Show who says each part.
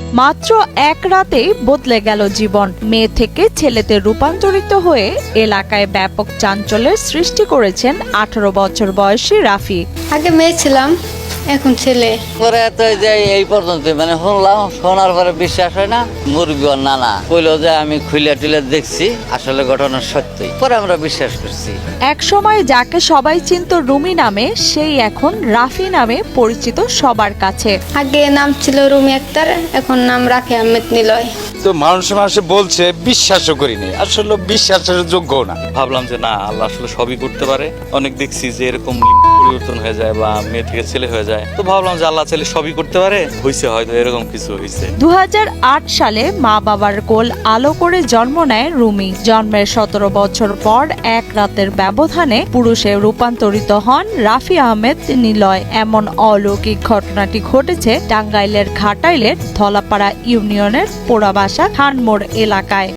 Speaker 1: মাত্র এক রাতেই বদলে গেল জীবন। মেয়ে থেকে ছেলেতে রূপান্তরিত হয়ে এলাকায় ব্যাপক চাঞ্চল্যের সৃষ্টি করেছেন 18 বছর বয়সী রাফি।
Speaker 2: আগে মেয়ে ছিলাম, এখন ছেলে।
Speaker 3: পরে তো যে এই পর্যন্ত মানে শুনলাম, শোনার পরে বিশ্বাস হয় না। মুরগি নানা কইলো যে আমি খুলে টুলে দেখছি, আসলে ঘটনা সত্যি। পরে আমরা বিশ্বাস করছি।
Speaker 1: এক সময় যাকে সবাই চিনত রুমি নামে, সেই এখন রাফি নামে পরিচিত সবার কাছে।
Speaker 2: আগে নাম ছিল রুমি আক্তার, এখন নাম রাফি আহমেদ নিলয়।
Speaker 4: তো মানুষে বলছে, বিশ্বাসও করিনি, আসলে বিশ্বাসের যোগ্য না।
Speaker 5: ভাবলাম যে না, আল্লাহ আসলে সবই করতে পারে। অনেক দেখছি যে এরকম পরিবর্তন হয়ে যায় বা মেয়ে থেকে ছেলে হয়ে যায়, তো ভাবলাম যে আল্লাহ ছেলে সবই করতে পারে, হয়েছে হয়তো এরকম কিছু হয়েছে।
Speaker 1: 2008 সালে মা বাবার কোল আলো করে জন্ম নেয় রুমি। জন্মের 17 বছর পর এক রাতের ব্যবধানে পুরুষে রূপান্তরিত হন রাফি আহমেদ নিলয়। এমন অলৌকিক ঘটনাটি ঘটেছে টাঙ্গাইলের ঘাটাইলের ধলাপাড়া ইউনিয়নের পোড়াবাসা খানমোড় এলাকায়।